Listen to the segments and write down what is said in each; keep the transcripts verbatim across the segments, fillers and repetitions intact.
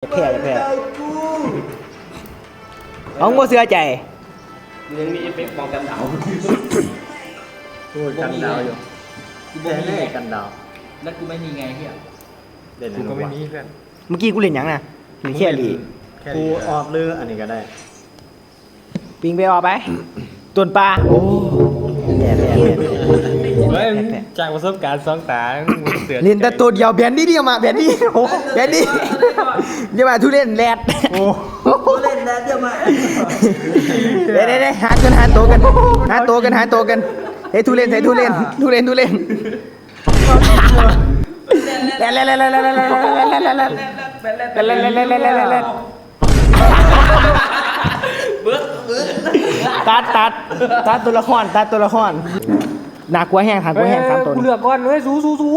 แพ้แพ้น้องโมเสือใจยังมีเอฟเฟกต์ป้องกันดาวพูดกันดาวอยู่แน่แน่กันดาวแล้วกูไม่มีไงพี่อ่ะเล่นกูก็ไม่มีเพื่อนเมื่อกี้กูเล่นยังนะเล่นแค่ลีกูออกเรืออันนี้ก็ได้ปิงไปออกไปต้นปลาโอ้แพ้แพ้แพ้เฮ้ยจากประสบการณ์สองตาเสือเล่นแต่ตัวเดียวแบนดี้เดียวมาแบนดี้โอ้แบนดี้อย่ามาทุเล่นแรดโอ้ทุเล่นแรดอย่ามาเด้เด้เด้หากันหาตัวกันหาตัวกันหาตัวกันเฮ้ยทุเล่นเฮ้ยทุเล่นทุเล่นทุเล่นเล่นเล่นเล่นเล่นเล่นเล่นเล่นเล่นเล่นเล่นเล่นเล่นเล่นเล่นตัดตัดตัดตัวละครตัดตัวละครหนักกว่าแห้งหนักกว่าแห้งสามตัวกูเลือกก่อนเฮ้ยสู้สู้สู้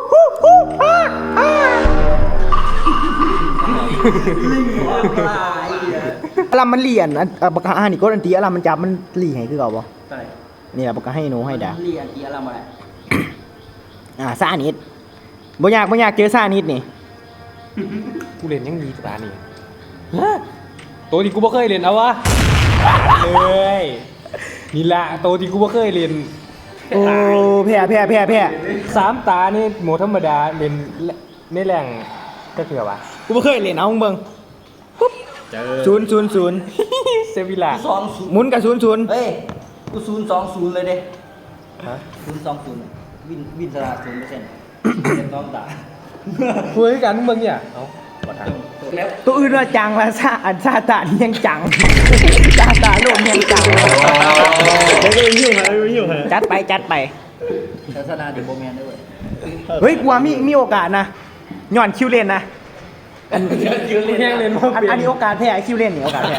อารมมันเลียนอ่ะปากกาอันนี้ก็อันตีอารมมันจับมันหลีให้คือเก่าป่ะนี่แหละปากกาให้หนูให้ด่าเลียนตีอารมอะไรอ่าซานิดบ่อยากบ่อยากเจอซานิดนี่กูเล่นยังดีตานี่ตัวที่กูไม่เคยเล่นเอาวะเลยนี่ละตัวที่กูไม่เคยเล่นโอ้แพ้แพ้แพ้แพ้สามตานี่โหมดธรรมดาเล่นในแรงก็คือวะกูไม่เคยเล่นเอาเบิ่งปุ๊บศูนย์ศูนย์ศูนย์เซวิล่าสองศูนย์หมุนกับศูนย์ศูนย์เฮ้ยกูศูนย์สองศูนย์เลยเด้ฮะศูนย์สองศูนย์วินวินสลาศูนย์เปอร์เซ็นต์เป็นต้องตาคุยกันมึงเนี่ยเอาตัวอื่นว่าจังละซาอันซาตานี่ยังจังซาตาโลมยังจังเดี๋ยวก็ไปยิ้วฮะไปยิ้วฮะจัดไปจัดไปศาสนาเดี๋ยวโบแมนด้วยเฮ้ยกูว่ามีมีโอกาสนะย้อนคิวเล่นนะอันคิวเล่นเล่นอันนี้โอกาสแพ้คิวเล่นนี่โอกาสแพ้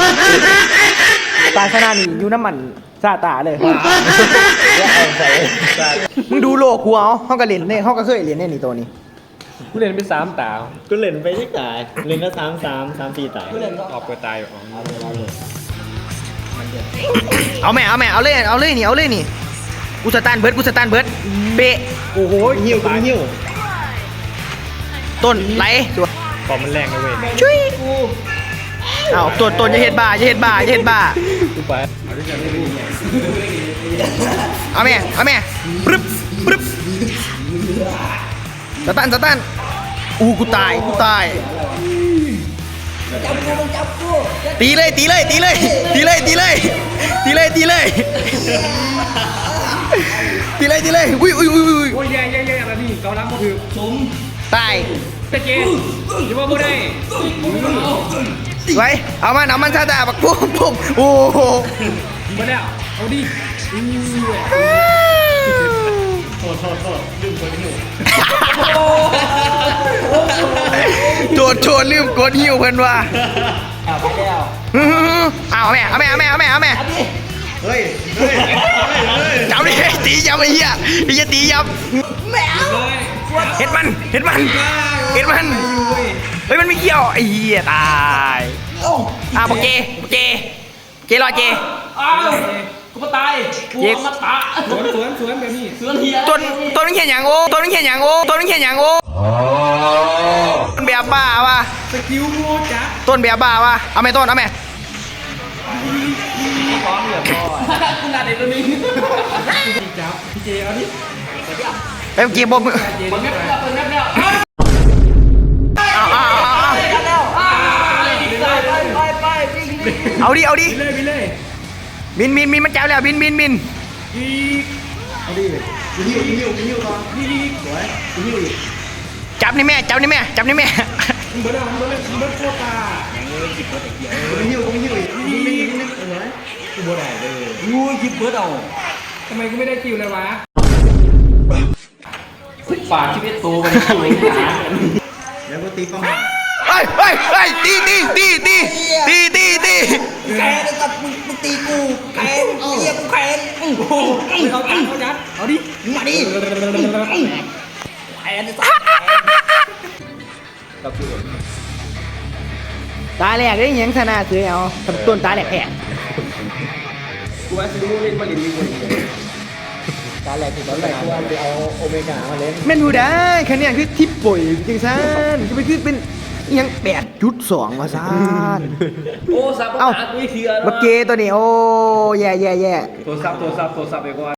ตาชนะนี่อยู่น้ำมันซาตาเลยมึงดูโลกูเอาเขาก็เล่นเนี่ยเขาก็เคยเล่นเนี่ยนี่ตัวนี้กูเล่นไปสามตากูเล่นไปที่ตายเล่นก็สามสามสามสี่ตายออกไปตายอ๋อเอาแม่เอาแม่เอาเลยเอาเลยนี่เอาเลยนี่กูสตาร์เบิร์ดกูสตาร์เบิร์ดเบะโอ้โหหิ้วกูหิ้วต้นไหลตัวปอมมันแรงนะเว้ยช่วยกูเอาตัวต้นจะเห็ดบ้าจะเห็ดบ้าจะเห็ดบ้ากูไปเอาแม่เอาแม่ปึ๊บปึ๊บสตันสตันอู้กูตายกูตายตีเลยตีเลยตีเลยตีเลยตีเลยตีเลยตีเลยตีเลยตีเลยอุ้ยอุ้ยอุ้ยอุ้ยโอ้ยแย่แย่แย่อะไรนี่เกาลังก็คือสมตายตะเกียบอย่าว่าไม่ได้ไว้เอามันเอามันซาตาบักปุ๊บปุ๊บโอ้โหมาแล้วเอาดิโทษโทษโทษลืมกดหิวโจดโจดลืมกดหิวเพิ่นว่าเอาไปแล้วเอาแม่เอาแม่เอาแม่เอาแม่เอาแม่เฮ้ยเฮ้ยจับดิตีจับไอ้เหี้ยไอ้เหี้ยตีจับแม่เห็ดมันเห็ดมันเห็ดมันเฮ้ยมันไม่เกี่ยวไอ้เหี้ยตายอ่ะโอเคโอเคเจรอเจกูมาตายกูมาตาสวนสวนสวนแบบนี้สวนเฮียต้นต้นนึงเขียนอย่างโอ้ต้นนึงเขียนอย่างโอ้ต้นนึงเขียนอย่างโอ้ต้นแบบบ้าวะสกิลโมจ้ะต้นแบบบ้าวะเอาไหมต้นเอาไหมพร้อมเหลือพอคุณนาเด็กตัวนี้จับพี่เจเอาดิเอ้ยเก็บบอลมือเปิดแมปแล้วเปิดแมปแล้วเอาเอาเอาเอาเอาดิเอาดิบินบินบินมันจับแล้วบินบินบินเอาดิหิ้วหิ้วหิ้วก่อนหิ้วสวยหิ้วจับนี่แม่จับนี่แม่จับนี่แม่เบิร์ดเบิร์ดเบิร์ดโคตาหิ้วหิ้วหิ้วหิ้วหิ้วสวยกูบ่ได้เลยงูหยิบเบิร์ดเอาทำไมกูไม่ได้คิวเลยวะฝากชีวิตโตไปสวยงามแล้วก็ตีป้องเฮ้ยเฮ้ยเฮ้ยตีตีตีตีตีตีตีแกเลยกับมึงมึงตีกูแกเรียกกูแกโอ้โหเขาจัดเขาจัดเอาดิมาดิแอนตาแหลกได้ยังชนะซื้อเอาต้นตาแหลกแผลกูว่าซื้อเล่นมาเล่นดีกว่าตาแหลกคือตอนแรกกูว่าไปเอาโอเมก้ามาเล่นแม่นหูได้คะแนนคือทิปป่วยจริงๆซันจะไปคือเป็นยังแปดจุดสองว่าซ่านโอ้สับเอ้าหาตัวเถื่อนบักเกตัวนี้โอ้แย่แย่แย่โทรศัพท์โทรศัพท์โทรศัพท์ไปก่อน